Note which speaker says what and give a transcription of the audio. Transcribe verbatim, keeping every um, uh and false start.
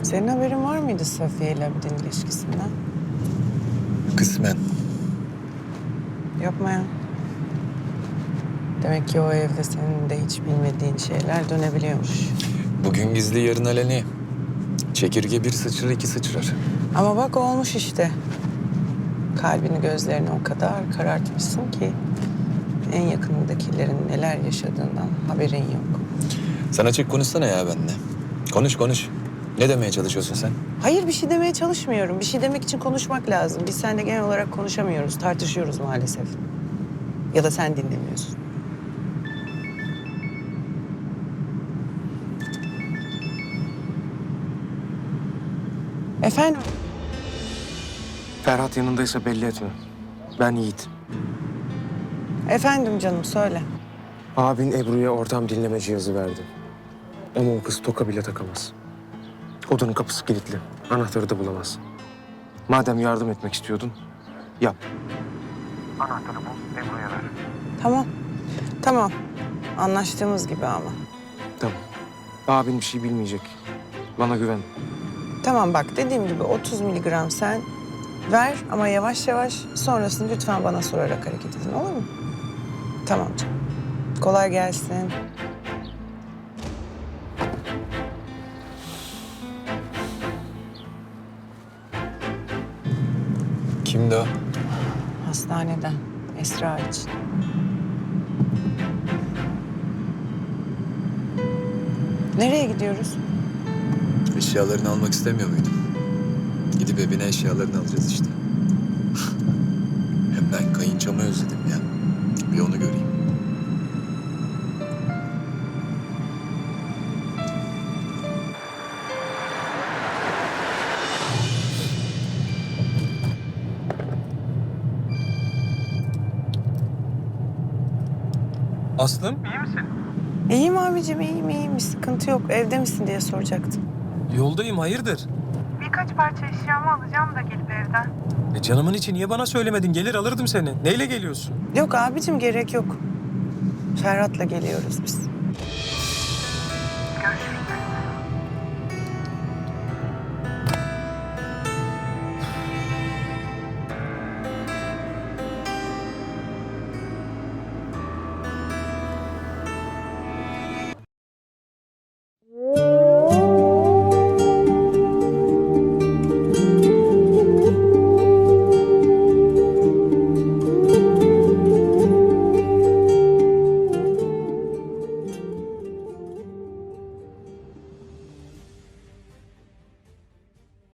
Speaker 1: Senin haberin var mıydı Safiye ile Abidin ilişkisinden?
Speaker 2: Kısmen.
Speaker 1: Yapma ya. Demek ki o evde senin de hiç bilmediğin şeyler dönebiliyormuş.
Speaker 2: Bugün gizli yarın aleni. Çekirge bir sıçrar iki sıçrar.
Speaker 1: Ama bak olmuş işte. Kalbini gözlerini o kadar karartmışsın ki... ...en yakınındakilerin neler yaşadığından haberin yok.
Speaker 2: Sen açık konuşsana ya benimle. Konuş konuş. Ne demeye çalışıyorsun sen?
Speaker 1: Hayır bir şey demeye çalışmıyorum. Bir şey demek için konuşmak lazım. Biz seninle genel olarak konuşamıyoruz, tartışıyoruz maalesef. Ya da sen dinlemiyorsun. Efendim?
Speaker 3: Ferhat yanındaysa belli etme. Ben Yiğit.
Speaker 1: Efendim canım söyle.
Speaker 3: Abin Ebru'ya ortam dinleme cihazı verdi. Ama o kız toka bile takamaz. Odanın kapısı kilitli. Anahtarı da bulamaz. Madem yardım etmek istiyordun, yap. Anahtarı bul, Ebru'ya ver.
Speaker 1: Tamam. Tamam. Anlaştığımız gibi ama.
Speaker 3: Tamam. Abin bir şey bilmeyecek. Bana güven.
Speaker 1: Tamam bak dediğim gibi otuz miligram sen ver ama yavaş yavaş sonrasını lütfen bana sorarak hareket edin olur mu? Tamam canım. Kolay gelsin.
Speaker 2: Kimdi o?
Speaker 1: Hastaneden Esra için. Nereye gidiyoruz?
Speaker 2: Eşyalarını almak istemiyor muydun? Gidip evine eşyalarını alacağız işte. Hem ben kayınçamı özledim ya. Bir onu göreyim.
Speaker 4: Aslım,
Speaker 1: İyiyim abicim iyiyim iyiyim. Bir sıkıntı yok. Evde misin diye soracaktım.
Speaker 4: yoldayım hayırdır?
Speaker 5: Birkaç parça eşyamı alacağım da gelip evden.
Speaker 4: E canımın içi niye bana söylemedin? Gelir alırdım seni. Neyle geliyorsun?
Speaker 1: Yok abicim gerek yok. Ferhat'la geliyoruz biz.